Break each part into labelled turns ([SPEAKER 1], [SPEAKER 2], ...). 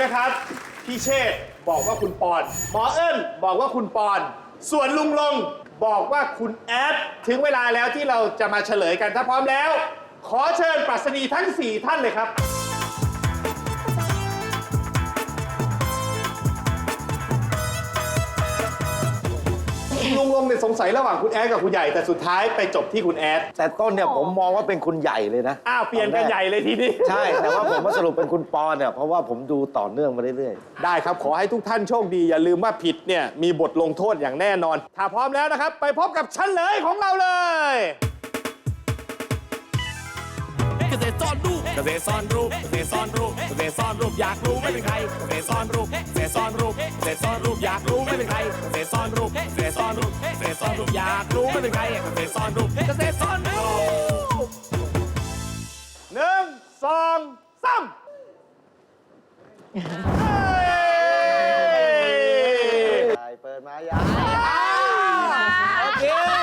[SPEAKER 1] นะครับพี่เชษฐ์บอกว่าคุณปอนหมอเอิ้นบอกว่าคุณปอนส่วนลุงลงบอกว่าคุณแอดถึงเวลาแล้วที่เราจะมาเฉลยกันถ้าพร้อมแล้วขอเชิญปรัชนีทั้ง4ท่านเลยครับลุงลงเนี่ยสงสัยระหว่างคุณแอดกับคุณใหญ่แต่สุดท้ายไปจบที่คุณแอด
[SPEAKER 2] แต่ต้นเนี่ยผมมองว่าเป็นคุณใหญ่เลยนะ
[SPEAKER 1] อ้าวเปลี่ยนกันใหญ่เลยทีนี้
[SPEAKER 2] ใช่แต่ว่าผมมาสรุปเป็นคุณปอนเนี่ยเพราะว่าผมดูต่อเนื่องมาเรื่อย
[SPEAKER 1] ๆได้ครับขอให้ทุกท่านโชคดีอย่าลืมว่าผิดเนี่ยมีบทลงโทษอย่างแน่นอนถ้าพร้อมแล้วนะครับไปพบกับเฉลยของเราเลย
[SPEAKER 3] เกษตรซ่อนรูปเกษตรซ่อนรูปเกษตรซ่อนรูปเกษตรซ่อนรูปอยากรู้ไม่เป็นใครเกษตรซ่อนรูปเกษตรซ่อนรูปเกษตรซ่อนรูปอยากรู้ไม่เป็นใครเกษตรซ่อนรูปเกษตรซ่อนรูปเกษตรซ่อนรูปอยากรู้ไม่เป็นใครเกษตรซ่อนรูปเกษตรซ่อนรูป
[SPEAKER 1] 1 2 3
[SPEAKER 2] ๆเปิดมายาโอเค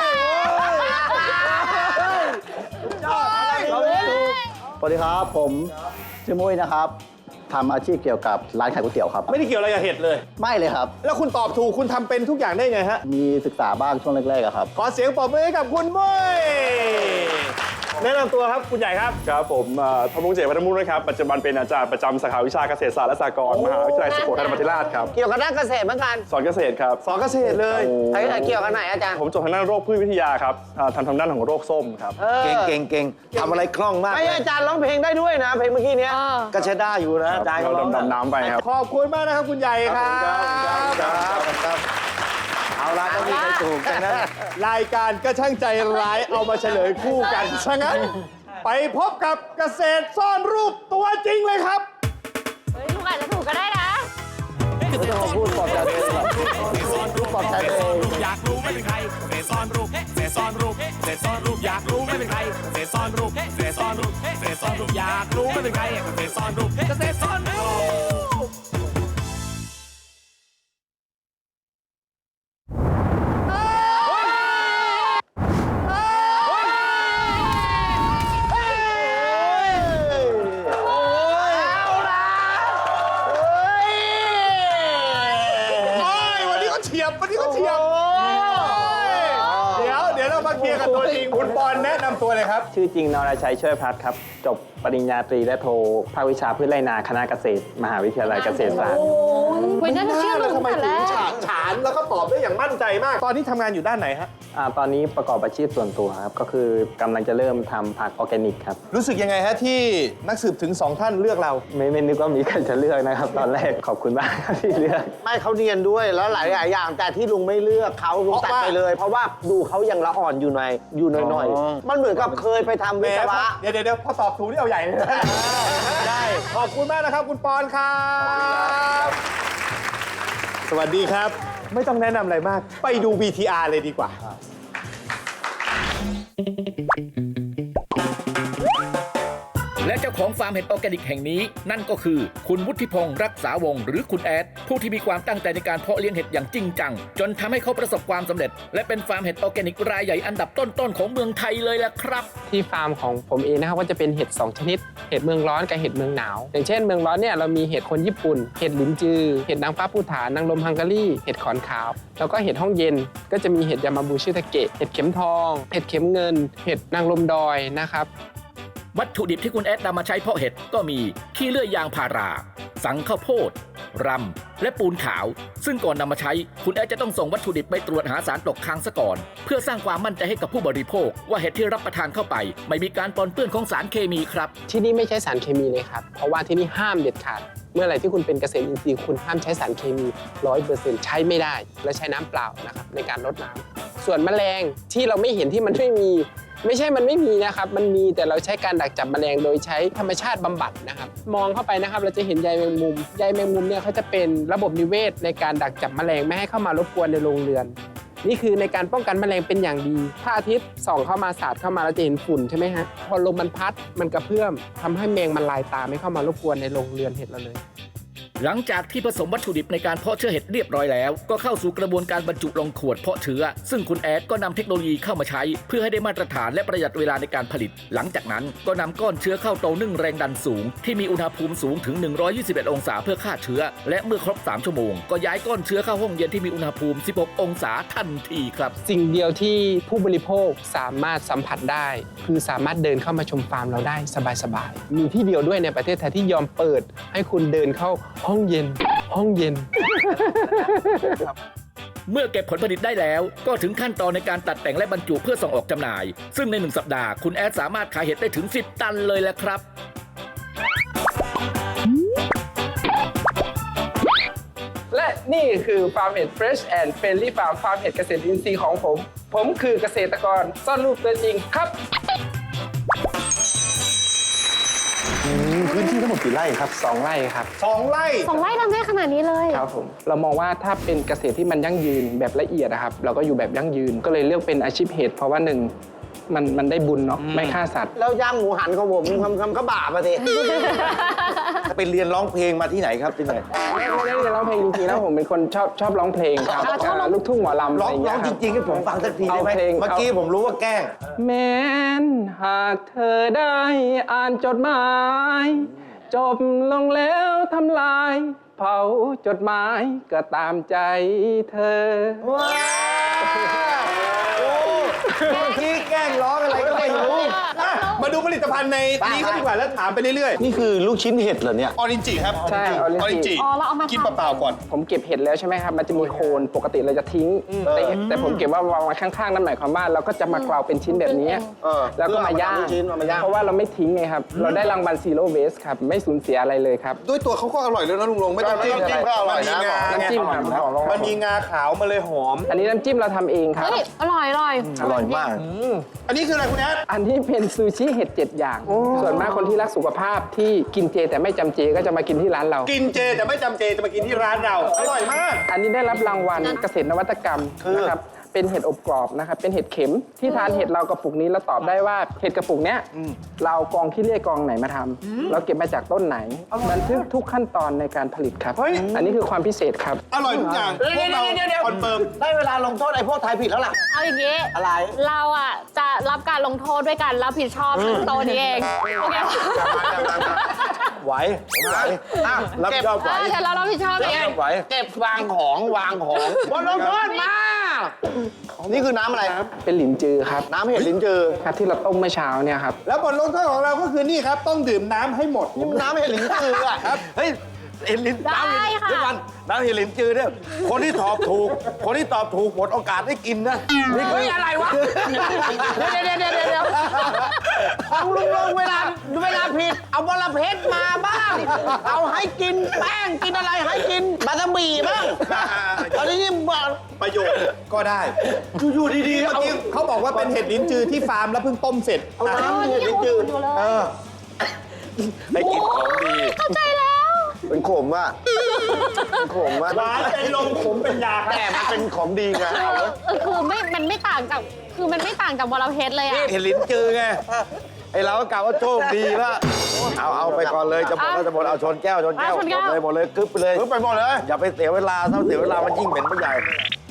[SPEAKER 4] สวัสดีครับผมชื่อมุ้ยนะครับทำอาชีพเกี่ยวกับร้านขายก๋วยเตี๋ยวครับ
[SPEAKER 1] ไม่ได้เกี่ยวอะไรกับเห็ดเลย
[SPEAKER 4] ไม่เลยครับ
[SPEAKER 1] แล้วคุณตอบถูกคุณทำเป็นทุกอย่างได้ไงฮะ
[SPEAKER 4] มีศึกษาบ้างช่วงแรกๆครับ
[SPEAKER 1] ขอเสียงปรบมือให้กับคุณมุ้ยแนะนำตัวครับคุณใหญ่ครับ
[SPEAKER 5] ครับผมธนงเจต พัฒนมุขนะครับปัจจุบันเป็นอาจารย์ประจำสาขาวิชาเกษตรศาสตร์และสหกรณ์มหาวิทยาลัยสุโขทัยธรรมาธิราชครับ
[SPEAKER 6] เกี่ยวกับด้านเกษตรเหมือนกัน
[SPEAKER 5] สอนเกษตรครับ
[SPEAKER 1] สอนเกษตรเลย
[SPEAKER 6] เกี่ยวกับไหนอาจารย์
[SPEAKER 5] ผมจบทางด้านโรคพืชวิทยาครับทำด้านของโรคส้มครับ
[SPEAKER 2] เก่งทำอะไรคล่องมาก
[SPEAKER 6] ไม่อาจารย์ร้องเพลงได้ด้วยนะเพลงเมื่อกี้นี้
[SPEAKER 2] ก็ใช้ได้อยู่นะอาจารย์
[SPEAKER 5] เราดำน้ำไปครับ
[SPEAKER 1] ขอบคุณมากนะครับคุณใหญ่ครับ
[SPEAKER 2] เอาละต้องมีใครถูกกันนะ
[SPEAKER 1] รายการก็ช่างใจร้ายเอามาเฉลยคู่กันฉะนั้นไปพบกับเกษตรซ่อนรูปตัวจริงเลยครับ
[SPEAKER 7] เฮ้ยลูกอาจจะถูกก็ได้นะ
[SPEAKER 2] ไม่ต้องพูดปลอบใจตัวเองหรอกพูดปลอบใจตัวเอง
[SPEAKER 3] อยากรู้ไม่เป็นใครเกษตรซ่อนรูปเกษตรซ่อนรูปเกษตรซ่อนรูปอยากรู้ไม่เป็นใครเกษตรซ่อนรูปเกษตรซ่อนรูปเกษตรซ่อนรูปอยากรู้ไม่เป็นใครเกษตรซ่อนรูปเกษตรซ่อนรูป
[SPEAKER 1] เดี๋ยวเรามาเคลียร์กันตัวจริงคุณปอนแนะนำตัวเลยครับ
[SPEAKER 8] ชื่อจริงนรชัยช่วยพัฒน์ครับจบปริญญาตรีและโทภาควิชาพืชไร่นาคณะเกษตรมหาวิทยาลัยเกษตรศาสตร์
[SPEAKER 7] วันนั้นเชื่อลุง
[SPEAKER 1] ทำไม
[SPEAKER 7] แต่
[SPEAKER 1] ถึ
[SPEAKER 7] แรงก
[SPEAKER 1] ฉานแล้วก็ตอบได้อย่างมั่นใจมากตอนนี้ทำงานอยู่ด้านไหนฮะ
[SPEAKER 8] ตอนนี้ประกอบอาชีพส่วนตัวครับก็คือกำลังจะเริ่มทำผักออร์แกนิกครับ
[SPEAKER 1] รู้สึกยังไงฮะที่นักสืบถึง2ท่านเลือกเรา
[SPEAKER 8] ไม่นึกว่ามีใครจะเลือกนะครับตอนแรกขอบคุณมากที่เลือก
[SPEAKER 6] ไม่เขาเนียนด้วยแล้วหลายอย่างแต่ที่ลุงไม่เลือกเขาลุงตัดไปเลยเพราะว่าดูเขายังละอ่อนอยู่หน่อยมันเหมือนกับเคยไปทำวิศวะ
[SPEAKER 1] เดี๋ยวพอตอบถูกนี่เอาใหญ่เลยได้ขอบคุณมากนะครับคุณปอนครับสวัสดีครับไม่ต้องแนะนำอะไรมากไปดู VTR เลยดีกว่า
[SPEAKER 3] และเจ้าของฟาร์มเห็ดออร์แกนิกแห่งนี้นั่นก็คือคุณวุฒิพงศ์รักษาวงศ์หรือคุณแอดผู้ที่มีความตั้งใจในการเพาะเลี้ยงเห็ดอย่างจริงจังจนทำให้เขาประสบความสำเร็จและเป็นฟาร์มเห็ดออร์แกนิกรายใหญ่อันดับต้นๆของเมืองไทยเลยล่ะครับ
[SPEAKER 9] ที่ฟาร์มของผมเองนะครับก็จะเป็นเห็ด2ชนิดเห็ดเมืองร้อนกับเห็ดเมืองหนาวอย่างเช่นเมืองร้อนเนี่ยเรามีเห็ดคนญี่ปุ่นเห็ดหลินจือเห็ดนางฟ้าภูฐานนางลมฮังการีเห็ดขอนขาวแล้วก็เห็ดห้องเย็นก็จะมีเห็ดยามาบูชิตาเกะเห็ดเข็มทองเห็ดเข็มเงินเห็ดนางลมดอยนะครับ
[SPEAKER 3] วัตถุดิบที่คุณแอดนำมาใช้เพาะเห็ดก็มีขี้เลื่อยยางพาราสังข้าวโพดรำและปูนขาวซึ่งก่อนนำมาใช้คุณแอดจะต้องส่งวัตถุดิบไปตรวจหาสารตกค้างซะก่อนเพื่อสร้างความมั่นใจให้กับผู้บริโภคว่าเห็ดที่รับประทานเข้าไปไม่มีการปนเปื้อนของสารเคมีครับ
[SPEAKER 9] ที่นี่ไม่ใช้สารเคมีเลยครับเพราะว่าที่นี่ห้ามเด็ดขาดเมื่อไหร่ที่คุณเป็นเกษตรอินทรีย์คุณห้ามใช้สารเคมี 100% ใช้ไม่ได้และใช้น้ำเปล่านะครับในการรดน้ำส่วนแมลงที่เราไม่เห็นที่มันไม่ใช่มันไม่มีนะครับมันมีแต่เราใช้การดักจับแมลงโดยใช้ธรรมชาติบำบัดนะครับมองเข้าไปนะครับเราจะเห็นใยแมงมุมเนี่ยเขาจะเป็นระบบนิเวศในการดักจับแมลงไม่ให้เข้ามารบกวนในโรงเรือนนี่คือในการป้องกันแมลงเป็นอย่างดีถ้าอาทิตย์ส่องเข้ามาสาดเข้ามาเราจะเห็นฝุ่นใช่ไหมฮะพอลมมันพัดมันกระเพื่อมทำให้แมงมันลายตาไม่เข้ามารบกวนในโรงเรือนเห็ดเราเลย
[SPEAKER 3] หลังจากที่ผสมวัตถุดิบในการเพาะเชื้อเห็ดเรียบร้อยแล้วก็เข้าสู่กระบวนการบรรจุลงขวดเพาะเชื้อซึ่งคุณแอดก็นำเทคโนโลยีเข้ามาใช้เพื่อให้ได้มาตรฐานและประหยัดเวลาในการผลิตหลังจากนั้นก็นำก้อนเชื้อเข้าเตานึ่งแรงดันสูงที่มีอุณหภูมิสูงถึง121องศาเพื่อฆ่าเชื้อและเมื่อครบ3ชั่วโมงก็ย้ายก้อนเชื้อเข้าห้องเย็นที่มีอุณหภูมิ16องศาทันทีครับ
[SPEAKER 9] สิ่งเดียวที่ผู้บริโภคสามารถสัมผัสได้คือสามารถเดินเข้ามาชมฟาร์มเราได้สบายๆมีที่เดียวด้วยในประเทศไทยที่ยอมเปิดให้คุณเดินเข้าห้องเย็น
[SPEAKER 3] เมื่อเก็บผลผลิตได้แล้วก็ถึงขั้นตอนในการตัดแต่งและบรรจุเพื่อส่งออกจำหน่าย ซึ่งใน1สัปดาห์คุณแอดสามารถขายเห็ดได้ถึง10ตันเลยแหละครับ
[SPEAKER 9] และนี่คือฟาร์มเห็ด Fresh and Friendly Farm ฟาร์มเห็ดเกษตรอินทรีย์ของผมคือเกษตรกรซ่อนรูปตัวจริงครับ
[SPEAKER 6] พื้นที่ทั้งหมดกี่ไร่ครับ
[SPEAKER 9] 2 ไร่ครับ
[SPEAKER 1] 2 ไร่
[SPEAKER 7] 2 ไร่ทำได้ขนาดนี้เลย
[SPEAKER 9] ครับผมเรามองว่าถ้าเป็นเกษตรที่มันยั่งยืนแบบละเอียดนะครับเราก็อยู่แบบยั่งยืนก็เลยเลือกเป็นอาชีพเห็ดเพราะว่า1มันได้บุญเนาะไม่ฆ่าสัตว์
[SPEAKER 6] แล้วย่างหมูหันของผมคำก็บาปอะสิ ไปเรียนร้องเพลงมาที่ไหนครับที่ไหน
[SPEAKER 9] ไม่ได้เรียนร้องเพลงจริงๆแล้วผมเป็นคนชอบร้องเพลงครับลูกทุ่งหมอลำ
[SPEAKER 6] ร้
[SPEAKER 9] อะ
[SPEAKER 6] อง
[SPEAKER 9] ไรอย่าง
[SPEAKER 6] ร้
[SPEAKER 9] เงี้
[SPEAKER 6] อง
[SPEAKER 9] ยค
[SPEAKER 6] จ
[SPEAKER 9] รับ
[SPEAKER 6] ริงๆให้ผมฟังสักทีได้ไหม
[SPEAKER 9] เอาเพลง
[SPEAKER 6] เมื่อกี้ผมรู้ว่าแกล้ง
[SPEAKER 9] แม้นหากเธอได้อ่านจดหมายจบลงแล้วทำลายเผาจดหมายก็ตามใจเธอ
[SPEAKER 6] ว้าวโอ้เมื่อกี้แกล้งร้องอะไรก็ไม่รู้
[SPEAKER 1] อ่ะมาดูผลิตภัณฑ์ในนี้ก็ดีกว่าแล้วถามไปเรื่อย
[SPEAKER 6] นี่คือลูกชิ้นเห็ดเหรอเนี่ย
[SPEAKER 1] ๆ ออรินจิครับ
[SPEAKER 9] ใช่
[SPEAKER 1] ออรินจิ
[SPEAKER 7] อ๋อเราเอามา
[SPEAKER 1] กิน
[SPEAKER 7] ทำ
[SPEAKER 1] เปล่าๆก่อน
[SPEAKER 9] ผมเก็บเห็ดแล้วใช่ไหมครับ มันจะมีโคนปกติเราจะทิ้ง แต่ผมเก็บว่าวางไว้ข้างๆนั่นหมายความว่าเราก็จะมากราวเป็นชิ้นแบบนี้ แล้วก็มาย่าง
[SPEAKER 6] ลูกชิ้นเอามาย่าง
[SPEAKER 9] เพราะว่าเราไม่ทิ้งไงครับ เราได้รางวัล Zero Waste ครับ ไม่สูญเสียอะไรเลยครับ
[SPEAKER 1] ด้วยตัวเขาก็อร่อยเลยนะลุงลงไม่ต้อง
[SPEAKER 6] น้ำจิ้มก็อร่อยนะ
[SPEAKER 9] น้ำจิ้มครับ
[SPEAKER 1] มันมีงาขาวมาเลยหอม
[SPEAKER 9] อันนี้น้ำจิ้มเราทำเองครับ
[SPEAKER 7] เฮ้ย อร่อย
[SPEAKER 6] อร่อยมาก
[SPEAKER 1] อันนี้คืออะไรคุณแอด
[SPEAKER 9] อันนี้เป็นซูชิเห็ด7อย่าง ส่วนมากคนที่รักสุขภาพที่กินเจแต่ไม่จำเจก็จะมากินที่ร้านเรา
[SPEAKER 1] กินเจแต่ไม่จำเจจะมากินที่ร้านเรา อร่อยมาก
[SPEAKER 9] อันนี้ได้รับรางวัลเกษตรนวัตกรรมนะครับ เป็นเห็ดอบกรอบนะครับ เป็นเห็ดเข็มที่ทานเห็ดเรากระปุกนี้แล้วตอบได้ว่าเห็ดกระปุกเนี้ยเรากองขี้เลื่อยกองไหนมาทำเราเก็บมาจากต้นไหนบันทึกทุกขั้นตอนในการผลิตครับ อันนี้คือความพิเศษครับ
[SPEAKER 1] อร่อยทุกอย่างพวกเราคอนเฟิร์ม
[SPEAKER 6] ได้เวลาลงโทษไอ้พวกทายผิดแล้วล่ะ
[SPEAKER 7] เอาอย่างนี้
[SPEAKER 6] อะไร
[SPEAKER 7] เราอ่ะจะรับการลงโทษด้วยการรับผิดชอบทั้งโตะนี้เอง โอเค
[SPEAKER 6] ไหวผมไหวอ่ะรับผิดชอบไหว
[SPEAKER 7] เดี๋ยวเรารับผิดชอบเอง
[SPEAKER 6] ไหวเก็บวางของบนลงโทษมา นี่คือน้ำอะไรครับ
[SPEAKER 9] เป็นหลินจือครับ
[SPEAKER 6] น้ำเห็ดลิ้นจือ
[SPEAKER 9] ครับที่เราต้มเมื่อเช้าเนี่ยครับ
[SPEAKER 1] แล้วบทลงโทษของเราก็คือนี่ครับ ต้องดื่มน้ำให้หมด
[SPEAKER 6] นี่มันน้ำเห็ดลิ้นจืออ่ะครับเฮ้ยเห็ดลิ้น
[SPEAKER 7] ได้
[SPEAKER 6] น้ำเห็ด
[SPEAKER 7] ค่ะ
[SPEAKER 6] เดี๋ยวก่อนน้ำเห็ดลิ้นจือเนี่ยคนที่ตอบถูกหมดโอกาสได้กินนะนี่คืออะไรวะเดี๋ยวฟังลุงเวลาผิดเอาบอระเพ็ดมาบ้างเอาให้กินแป้งกินอะไรให้กินบาตาบีบ้างตอนนี้นี่บอก
[SPEAKER 1] ประโยชน์ก็ได้
[SPEAKER 6] อยู่ดีๆ
[SPEAKER 1] เมื่อ
[SPEAKER 6] เอา
[SPEAKER 1] กี้เขาบอกว่าเป็นเห็ดลิ้นจือที่ฟาร์มแล้วเพิ่งต้มเสร็จ
[SPEAKER 6] เอาน้ำเห็ดลิ้นจือ ให้กินของดี
[SPEAKER 7] เข้าใจแล้ว
[SPEAKER 6] เป็นขมอ่ะเป็นขมอ่ะ
[SPEAKER 1] หวานใจลงขมเป็นยาครับ
[SPEAKER 6] แต่มันเป็นของดีไงเอาไว้
[SPEAKER 7] คือมันไม่ต่างจาก คือมันไม่ต่างจากบอระเพ็ดเลยอ่ะ
[SPEAKER 6] เห็ดลิ้นจือไงไอเราก็กล่าวว่าโชคดีแล้วเอาไปก่อนเลยจะหมดแล้วจะหมดเอาชนแก้วหมดเลยกึ๊บไปเลยกึ๊บไปหมดเลยอย่าไปเสียเวลาถ้าเสียเวลามันยิ่งเหม็นไปใหญ่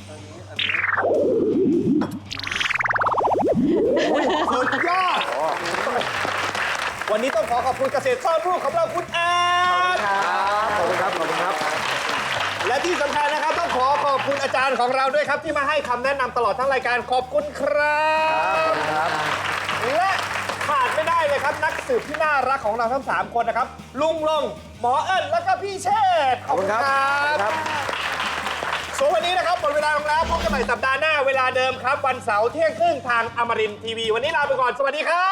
[SPEAKER 1] สุดยอด วันนี้ต้องขอบคุณเกษตรซ่อนรูปของเราคุณแอด
[SPEAKER 6] ขอบคุณครับ
[SPEAKER 1] และที่สำคัญนะครับต้องขอบคุณอาจารย์ของเราด้วยครับ ที่มาให้คำแนะนำตลอดทั้งรายการขอบคุณครับและขาดไม่ได้เลยครับนักสืบที่น่ารักของเราทั้ง 3 คนนะครับ ลุงลงหมอเอิญแล้วก็พี่เชษฐ์
[SPEAKER 6] ขอบคุณครับ
[SPEAKER 1] ส่วนวันนี้นะครับหมดเวลาลงแล้วพบกันใหม่สัปดาห์หน้าเวลาเดิมครับ วันเสาร์เที่ยงครึ่งทางอมรินทร์ทีวี วันนี้ลาไปก่อน สวัสดีครับ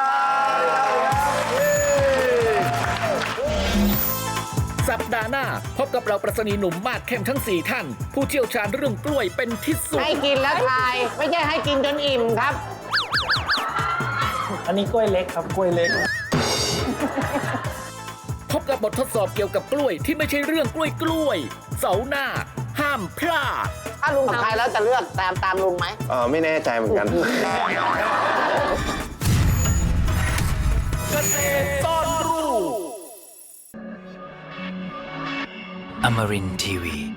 [SPEAKER 3] สัปดาห์หน้าพบกับเราประสนีหนุ่มมาดเข้มทั้ง 4 ท่าน ผู้เชี่ยวชาญเรื่องกล้วยเป็นที่สุด
[SPEAKER 6] ให้กินแล้วทาย ไม่ใช่ให้กินจนอิ่มครับ
[SPEAKER 8] อันนี้กล้วยเล็กครับกล้วยเล็ก
[SPEAKER 3] พบกับบททดสอบเกี่ยวกับกล้วยที่ไม่ใช่เรื่องกล้วยเสาร์หน้า ห้ามพลาด
[SPEAKER 6] ถ้าลุงทายแล้วจะเลือกตามลุงไหมไม่แน่ใจเหมือนกัน
[SPEAKER 3] เกษตรซ่อนรูป
[SPEAKER 10] Amarin Tiwi